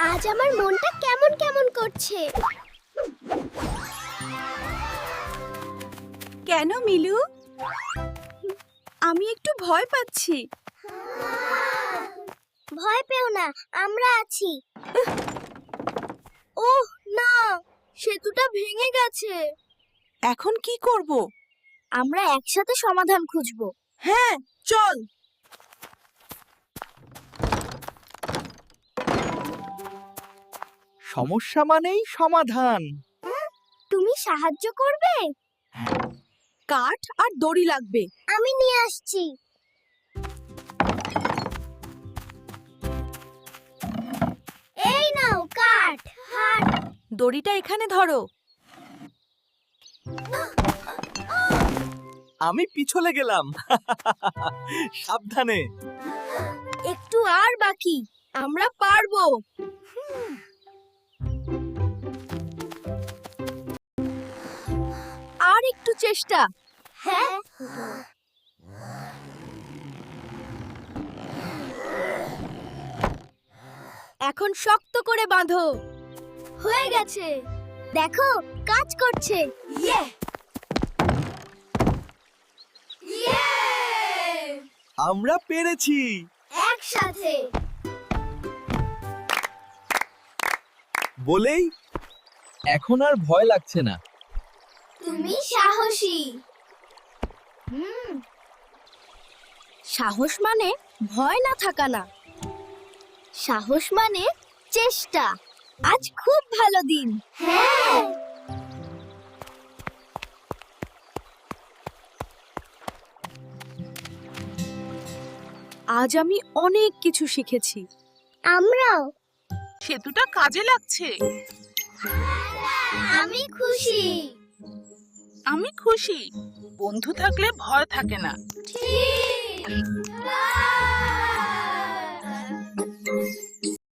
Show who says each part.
Speaker 1: আজ আমার মনটা কেমন কেমন করছে।
Speaker 2: কেন মিলু? আমি একটু ভয় পাচ্ছি।
Speaker 1: ভয় পেও না, আমরা আছি। ওহ না, সেতুটা ভেঙে গেছে।
Speaker 2: এখন কি করব?
Speaker 1: আমরা একসাথে সমাধান খুঁজব।
Speaker 2: হ্যাঁ, চল।
Speaker 3: সমস্যা মানেই সমাধান।
Speaker 1: তুমি সাহায্য করবে?
Speaker 2: কাঠ আর দড়ি লাগবে।
Speaker 1: আমি নিয়ে আসছি। এই নাও কাঠ। হাট।
Speaker 2: দড়িটা এখানে ধরো।
Speaker 3: আমি পিছলে গেলাম। সাবধানে।
Speaker 2: একটু আর বাকি, আমরা পারবো। আর একটু চেষ্টা।
Speaker 1: হ্যাঁ।
Speaker 2: এখন শক্ত করে বাঁধো।
Speaker 1: হয়ে গেছে। দেখো, কাজ করছে। ইয়ে!
Speaker 3: আমরা পেরেছি।
Speaker 1: একসাথে।
Speaker 3: বলেই এখন আর ভয় লাগছে না।
Speaker 1: তুমি সাহসী।
Speaker 2: সাহস মানে ভয় না থাকা না।
Speaker 1: সাহস মানে চেষ্টা।
Speaker 2: আজ খুব ভালো দিন।
Speaker 1: হ্যাঁ।
Speaker 2: আজ আমি অনেক কিছু শিখেছি।
Speaker 1: আমরাও।
Speaker 2: সেতুটা কাজে লাগছে।
Speaker 1: আমি খুশি।
Speaker 2: আমি খুশি। বন্ধু থাকলে ভয় থাকে না।
Speaker 1: ঠিক।